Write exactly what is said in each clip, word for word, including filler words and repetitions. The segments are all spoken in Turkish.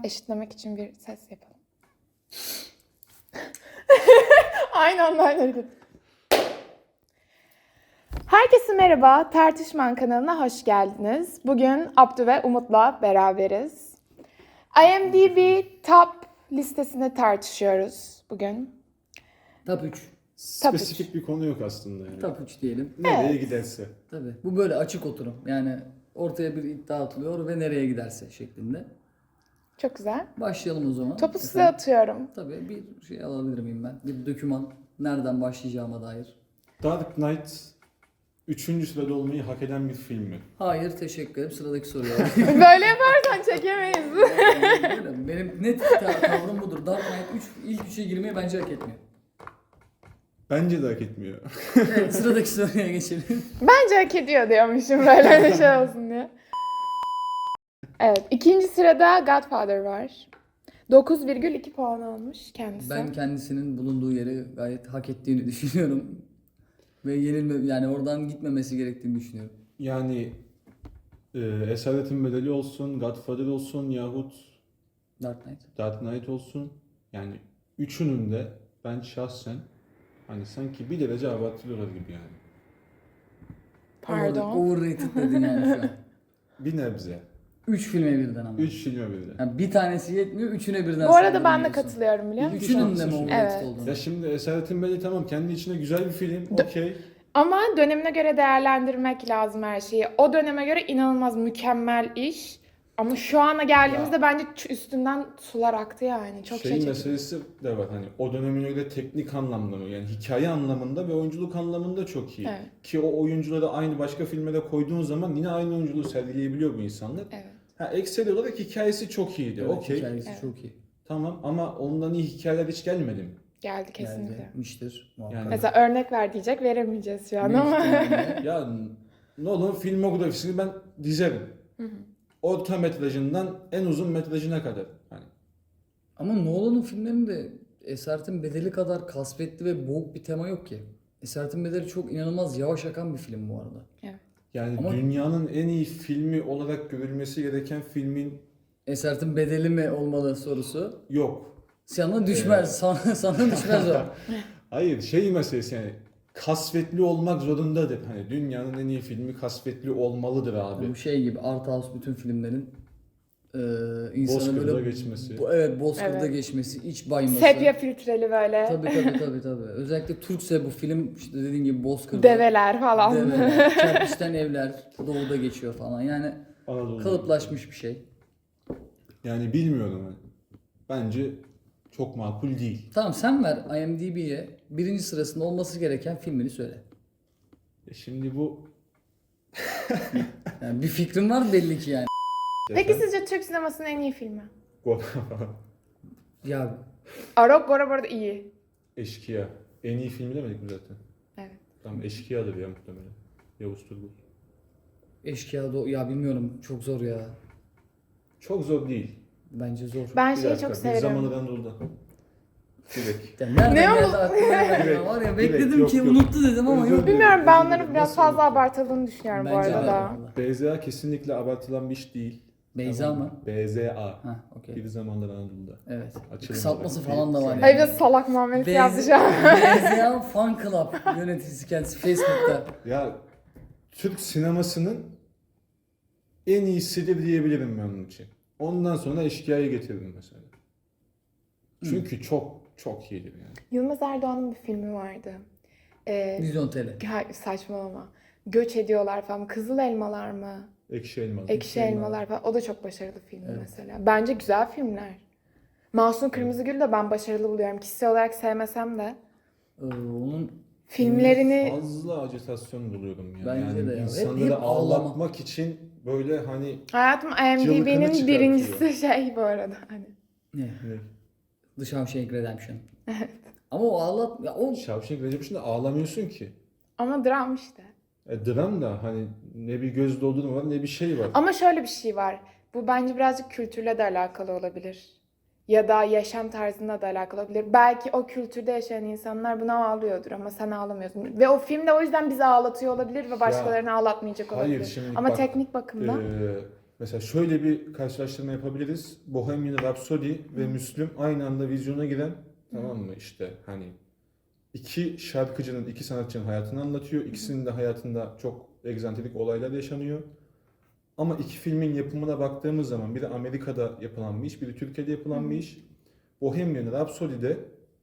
eşitlemek için bir ses yapalım. Aynı anda aynı hareket. Herkese merhaba, Tartışman kanalına hoş geldiniz. Bugün Abdü ve Umut'la beraberiz. IMDb Top listesini tartışıyoruz bugün. Top üç. Spesifik bir konu yok aslında yani. Top üç diyelim. Nereye Evet. giderse. Tabii. Bu böyle açık oturum. Yani ortaya bir iddia atılıyor ve nereye giderse şeklinde. Çok güzel. Başlayalım o zaman. Topu size Efendim? atıyorum. Tabii bir şey alabilir miyim ben? Bir doküman. Nereden başlayacağıma dair. Dark Knight üçüncü sırada olmayı hak eden bir film mi? Hayır, teşekkür ederim. Sıradaki soruya alayım. Böyle yaparsan çekemeyiz. Öyle. Benim net ta- tavrım budur. Dark Knight üç ilk üçe girmeyi bence hak etmiyor. Bence de hak etmiyor. Evet, sıradaki soruya geçelim. Bence hak ediyor diyormuşum böyle bir şey olsun diye. Evet, ikinci sırada Godfather var. dokuz virgül iki puan almış kendisi. Ben kendisinin bulunduğu yeri gayet hak ettiğini düşünüyorum. Ve yenilme, yani oradan gitmemesi gerektiğini düşünüyorum. Yani e, Esaretin Bedeli olsun, Godfather olsun yahut Dark Knight. Dark Knight olsun. Yani üçünün de ben şahsen hani sanki bir derece abartılıyorlar gibi yani. Pardon. Over- Overrated dedin yani şu an. Bir nebze. Üç filme birden ama. Üç filme birden. Yani bir tanesi yetmiyor, üçüne birden Bu arada saldırı ben de diyorsun. katılıyorum biliyor musun? Üçünün de mi Evet. overrated olduğunu? Ya şimdi Esaretin Bedeli tamam kendi içinde güzel bir film. Dö- Okey. Ama dönemine göre değerlendirmek lazım her şeyi. O döneme göre inanılmaz mükemmel iş. Ama şu ana geldiğimizde Ya. bence ç- üstünden sular aktı yani. Çok şey Şeyin çekti. meselesi de var hani o dönemine göre teknik anlamda mı yani hikaye anlamında ve oyunculuk anlamında çok iyi. Evet. Ki o oyuncuları aynı başka filme de koyduğun zaman yine aynı oyunculuğu sergileyebiliyor bu insanlar. Evet. Ha ekseri olarak hikayesi çok iyiydi. Evet, Okey. hikayesi Evet. çok iyi. Tamam ama ondan iyi hikayeler hiç gelmedi mi? Geldi kesinlikle. Gelmiştir muhakkak. Yani- Mesela örnek ver diyecek veremeyeceğiz şu an Büyük ama. ihtimalle. Ya Nolan filmografisini ben dizerim. Hı hı. Orta metrajından en uzun metrajına kadar. Hani Ama Nolan'ın filmlerinde Esaretin Bedeli kadar kasvetli ve boğuk bir tema yok ki. Esaretin Bedeli çok inanılmaz yavaş akan bir film bu arada. yani Ama- dünyanın en iyi filmi olarak görülmesi gereken filmin Esaretin Bedeli mi olmalı sorusu. yok. Sana düşmez, Evet. sana, sana düşmez o. Hayır şey meselesi yani kasvetli olmak zorundadır. Hani dünyanın en iyi filmi kasvetli olmalıdır abi. Bu şey gibi Art House bütün filmlerin e, insanı Bozkır'da böyle geçmesi. Bu, evet Bozkır'da Evet. geçmesi, iç bayması. Sepya filtreli böyle. Tabii tabii tabii tabii. Özellikle Türkse bu film işte dediğin gibi Bozkır'da. Develer falan. Develer, kerpiçten evler, doğuda geçiyor falan. Yani Anadolu. kalıplaşmış bir şey. Yani bilmiyorum. hani. Bence çok makul değil. Tamam sen ver IMDb'ye birinci sırasında olması gereken filmini söyle. E şimdi bu Yani bir fikrin var belli ki yani. Peki sizce Türk sinemasının en iyi filmi? Ya Arok Gora bu arada iyi. Eşkıya. En iyi filmi demedik mi zaten? Evet. Tamam Eşkıya'dır ya muhtemelen. Yavuz Turgul. Eşkıya do ya bilmiyorum çok zor ya. Çok zor değil. Bence zor. Ben Bir şeyi dakika, çok Bir severim. zamanı Anadolu'da. Direkt. Ya nereden Ne geldi o? aklıma nereden Direkt, var ya direkt, bekledim yok, ki yok. unuttu dedim ama Özür yok. dilerim. Bilmiyorum ben Özür onların dilerim. biraz Nasıl fazla unuttum? abartıldığını düşünüyorum bu Bence arada de. da. B Z A kesinlikle abartılan bir iş değil. Beyza Tamam. mı? B Z A. Ha okey. Bir zamanlar Anadolu'da. Evet. Açılımı Kısaltması var. falan da var Hayır yani. biraz salak muamelesi yaptı şu an. Beyza Fan Club yöneticisi kendisi Facebook'ta. Ya Türk sinemasının en iyisidir diyebilirim ben onun için. Ondan sonra Eşkıya'yı getirdim mesela. Çünkü çok çok iyidir yani. Yılmaz Erdoğan'ın bir filmi vardı. Ee, Milyon T L. hayır, saçmalama. Göç ediyorlar falan. Kızıl Elmalar mı? Ekşi Elmalı. Ekşi Elmalar. Elmalar falan. O da çok başarılı film Evet. mesela. Bence güzel filmler. Masum Kırmızıgül de ben başarılı buluyorum. Kişisel olarak sevmesem de. Ee, onun Filmlerini Fazla acitasyon buluyorum ya. Bence yani de ya. Hep- insanları hep ağlama. ağlatmak için böyle hani hayatım Cıvıkını IMDb'nin çıkartıyor. birincisi şey bu arada. Hani. ne? ne? The Shawshank Redemption. Ama o ağlat ya o Shawshank Redemption'da ağlamıyorsun ki. Ama dram işte. E, dram da hani ne bir göz doldurma var ne bir şey var. Ama şöyle bir şey var. Bu bence birazcık kültürle de alakalı olabilir. Ya da yaşam tarzına da alakalı olabilir. Belki o kültürde yaşayan insanlar buna ağlıyordur ama sen ağlamıyorsun. Ve o film de o yüzden bizi ağlatıyor olabilir ve başkalarını ağlatmayacak hayır, olabilir. şimdi Ama bak, teknik bakımdan Ee, Mesela şöyle bir karşılaştırma yapabiliriz. Bohemian Rhapsody ve Müslüm aynı anda vizyona giren, tamam mı, işte hani iki şarkıcının, iki sanatçının hayatını anlatıyor. İkisinin de hayatında çok egzantrik olaylar yaşanıyor. Ama iki filmin yapımına baktığımız zaman biri Amerika'da yapılan bir iş, biri Türkiye'de yapılan bir iş. Bohemian Rhapsody'de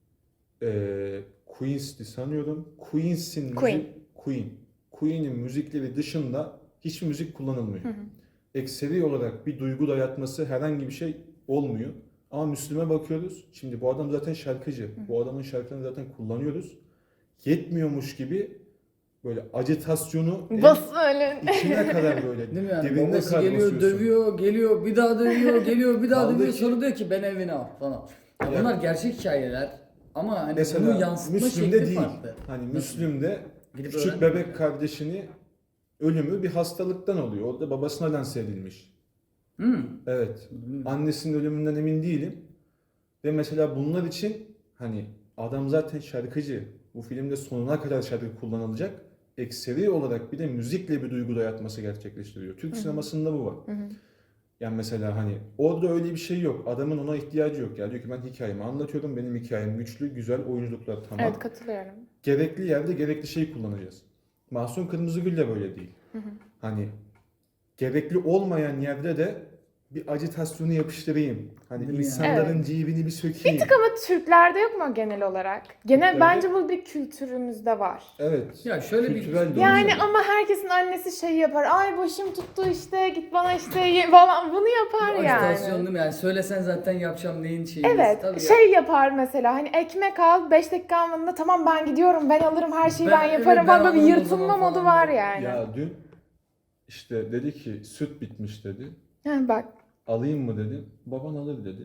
eee Queen's'ti sanıyorum. Queen's'in Queen. müzik, Queen. Queen'in müzikleri dışında hiç müzik kullanılmıyor. Ekseri olarak bir duygu dayatması, herhangi bir şey olmuyor. Ama Müslüm'e bakıyoruz. Şimdi bu adam zaten şarkıcı. Bu adamın şarkılarını zaten kullanıyoruz. Yetmiyormuş gibi böyle acitasyonu en Bas öyle. içine kadar böyle Değil mi yani? dibine Babası kadar geliyor, basıyorsun. dövüyor, geliyor, bir daha dövüyor, geliyor, bir daha Kaldı dövüyor. ki- Sonra diyor ki ben evine al falan. Ya Ya- bunlar gerçek hikayeler ama hani bunu Mesela yansıtma Müslüm'de şekli değil. farklı. Hani Nasıl? Müslüm'de Gidip küçük öğrenmiyor. bebek kardeşini ölümü bir hastalıktan oluyor. Orada babasına lanse edilmiş. Hmm. Evet. Hmm. Annesinin ölümünden emin değilim. Ve mesela bunlar için hani adam zaten şarkıcı. Bu filmde sonuna kadar şarkı kullanılacak. Ekseri olarak bir de müzikle bir duygu dayatması gerçekleştiriyor. Türk sinemasında bu var. Yani mesela hani orada öyle bir şey yok. Adamın ona ihtiyacı yok. Ya diyor ki ben hikayemi anlatıyorum. Benim hikayem güçlü, güzel, oyunculuklar tamam. Evet, katılıyorum. Gerekli yerde gerekli şeyi kullanacağız. Mahsun Kırmızıgül de böyle değil. Hani gerekli olmayan yerde de bir acitasyonu yapıştırayım. Hani Değil mi insanların yani? cebini bir sökeyim. Bir tık ama Türklerde yok mu genel olarak? Genel Türklerde- bence bu bir kültürümüzde var. Evet. Ya şöyle bir- Kültürel de Yani olsa da. ama herkesin annesi şey yapar. Ay başım tuttu işte git bana işte ye- falan bunu yapar Ajitasyon yani. değil mi? Yani söylesen zaten yapacağım neyin şeyi. Evet, Tabii ya. şey yapar mesela hani ekmek al beş dakika almadığında tamam ben gidiyorum ben alırım her şeyi ben, Ben- yaparım evet, falan ben böyle bir alırım o zaman yırtınma modu falan var diye. yani. Ya dün işte dedi ki süt bitmiş dedi. Ha, bak Alayım mı dedim. Baban alır dedi.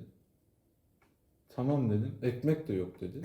Tamam dedim. Ekmek de yok dedi.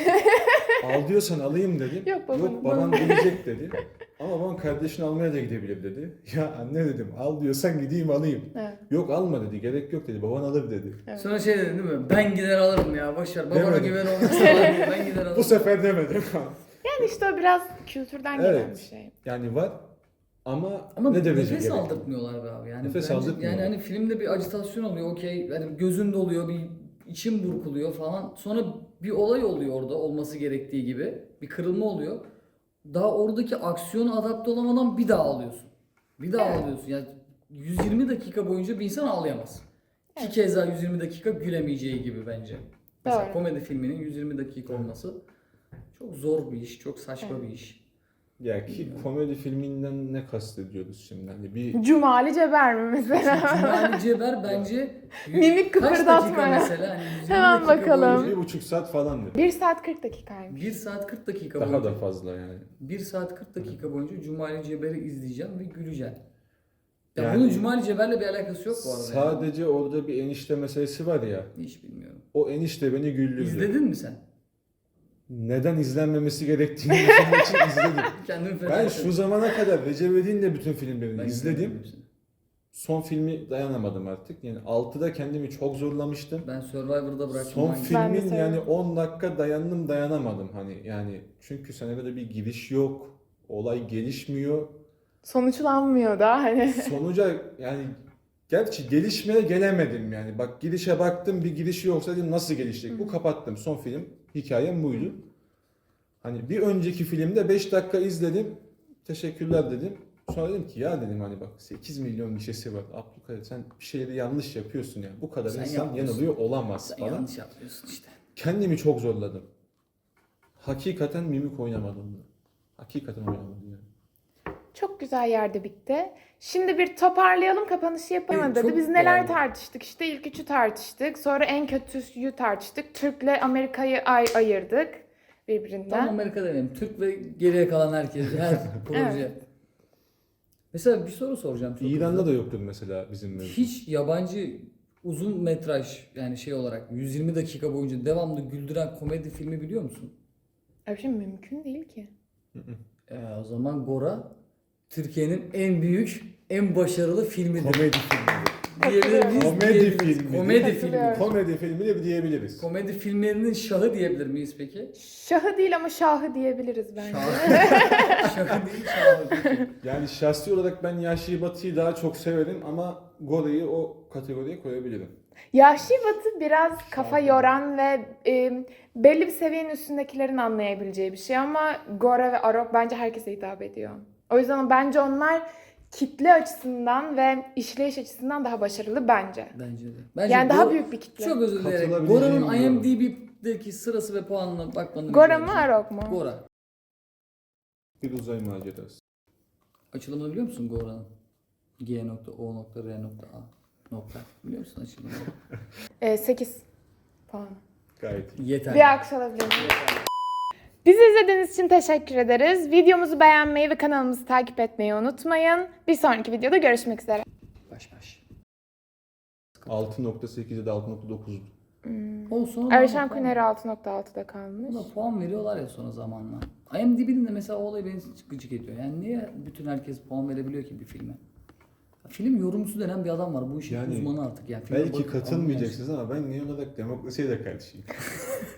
Al diyorsan alayım dedim. Yok baban- Yok baban gelecek dedi. Ama baban kardeşini almaya da gidebilir dedi. Ya anne dedim al diyorsan gideyim alayım. Evet. Yok alma dedi. Gerek yok dedi. Baban alır dedi. Sonra şey dedin değil mi? Ben gider alırım ya boşver. Babana Demedim. güven olmazsa ben ben gider alırım. Bu sefer demedim. yani işte o biraz kültürden gelen Evet. bir şey. Yani var ama, Ama ne derece nefes gerek? aldırtmıyorlar be abi. Yani Nefes bence- aldırtmıyorlar. Yani hani filmde bir ajitasyon oluyor okey. Yani gözün doluyor bir için burkuluyor falan. Sonra bir olay oluyor orada olması gerektiği gibi. Bir kırılma oluyor. Daha oradaki aksiyona adapte olamadan bir daha ağlıyorsun. Bir daha Evet. ağlıyorsun. Yani yüz yirmi dakika boyunca bir insan ağlayamaz. Ki Evet. keza yüz yirmi dakika gülemeyeceği gibi bence. Mesela Doğru. komedi filminin yüz yirmi dakika olması çok zor bir iş, çok saçma Evet. bir iş. Ya ki komedi filminden ne kastediyoruz şimdi? Hani bir Cumali Ceber mi mesela? Cumali Ceber bence Mimik kaç kıpırdatma dakika ya. mesela? Hani yüz yirmi Hemen dakika bakalım. boyunca- bir buçuk saat falandı. bir saat kırk dakikaymış. bir saat kırk dakika Daha boyunca. da fazla yani. bir saat kırk dakika boyunca Cumali Ceber'i izleyeceğim ve güleceğim. Ya Yani- bunun Cumali Ceber'le bir alakası yok bu arada. yani. Sadece orada bir enişte meselesi var ya. Hiç bilmiyorum. O enişte beni güldürdü. İzledin mi sen? Neden izlenmemesi gerektiğini düşünmek için izledim. Kendimi feda Ben ettim. şu zamana kadar Recep İvedik'in de bütün filmlerini Ben izledim. hepsini. Son filmi dayanamadım artık. Yani altıda kendimi çok zorlamıştım. Ben Survivor'da bıraktım. Son hangisi? Ben de filmin yani seviyorum. on dakika dayandım dayanamadım hani yani çünkü senaryoda bir giriş yok. Olay gelişmiyor. Sonuçlanmıyor da hani. Sonuca yani gerçi gelişmeye gelemedim yani. Bak girişe baktım bir girişi yoksa dedim nasıl gelişecek? Bu kapattım. Son film hikayem buydu. Hani bir önceki filmde beş dakika izledim. Teşekkürler dedim. Sonra dedim ki ya dedim hani bak sekiz milyon gişesi var. Abdülkadir sen bir şeyleri yanlış yapıyorsun yani. Bu kadar Sen insan yapmıyorsun. yanılıyor olamaz Sen falan. yanlış yapıyorsun işte. Kendimi çok zorladım. Hakikaten mimik oynamadım. Hakikaten oynamadım yani. Çok güzel yerde bitti. Şimdi bir toparlayalım, kapanışı yapalım Evet, dedi. çok Biz neler yani- tartıştık? İşte ilk üçü tartıştık. Sonra en kötüsü tartıştık. Türk'le Amerika'yı ay ayırdık birbirinden. Tam Amerika demeyelim. Türk ve geriye kalan herkes. Her proje. Evet. Mesela bir soru soracağım. çok İran'da hızlı. da yoktur mesela bizim mevzu. Hiç yabancı uzun metraj yani şey olarak yüz yirmi dakika boyunca devamlı güldüren komedi filmi biliyor musun? Öyle bir şey mümkün değil ki. Ee, o zaman Gora Türkiye'nin en büyük, en başarılı filmidir. Komedi filmi. diyebilir miyiz? Komedi Diyebiliriz. filmi. Komedi filmi. Katılıyorum. Komedi filmi de diyebiliriz. Komedi filmlerinin şahı diyebilir miyiz peki? Şahı değil ama şahı diyebiliriz bence. Şahı. Şahı değil, şahı. Peki. Yani şahsi olarak ben Yahşi Batı'yı daha çok severim ama Gore'yi o kategoriye koyabilirim. Yahşi Batı biraz kafa Şahı. yoran ve e, belli bir seviyenin üstündekilerin anlayabileceği bir şey ama Gore ve Arok bence herkese hitap ediyor. O yüzden bence onlar kitle açısından ve işleyiş açısından daha başarılı bence. Bence de. Bence Yani daha Go- büyük bir kitle. Çok özür dilerim. Katılabileceğim Gora'nın diyorum. IMDb'deki sırası ve puanına bakmanı Gore rica mu edeceğim. Arok mu? Gora. Bir uzay macerası. Açılımını biliyor musun Gora'nın? G nokta O nokta R nokta A nokta. Biliyor musun açılımını? E, sekiz puan. Gayet iyi. Yeter. Bir alkış alabilir miyim? Bizi izlediğiniz için teşekkür ederiz. Videomuzu beğenmeyi ve kanalımızı takip etmeyi unutmayın. Bir sonraki videoda görüşmek üzere. Baş baş. altı nokta sekiz ya da altı nokta dokuz. Olsun. Erşan Kuneri altı nokta altıda kalmış. Buna puan veriyorlar ya sonra zamanla. IMDb'nin de mesela o olay beni gıcık ediyor. Yani niye bütün herkes puan verebiliyor ki bir filme? Film yorumcusu denen bir adam var. Bu işin Yani uzmanı artık. Yani filme Belki bakıp katılmayacaksınız ama ben genel olarak demokrasiye de karşıyım.